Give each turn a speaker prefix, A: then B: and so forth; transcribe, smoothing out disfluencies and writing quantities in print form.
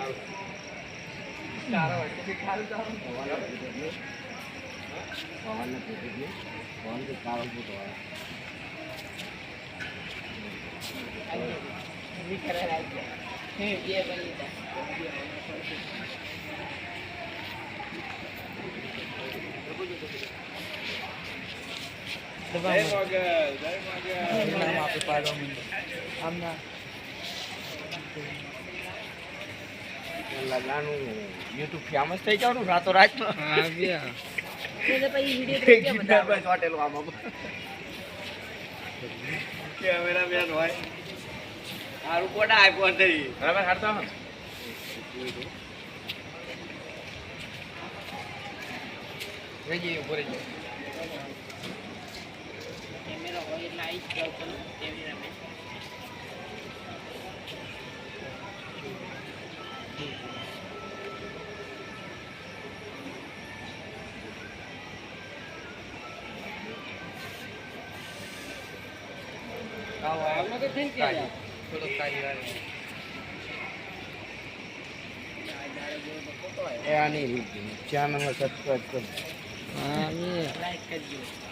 A: YouTube famous થઈ જવાનું રાતો રાત કેમેરામેન હોય સારું કોડા આપ્યો થઈ બરાબર હાડતા ઉપર કેમેરા હોય એટલે આવી જ જાવ કેમેરામેન ચેનલ સબસ્ક્રાઇબ કરો. લાઈક કરજો.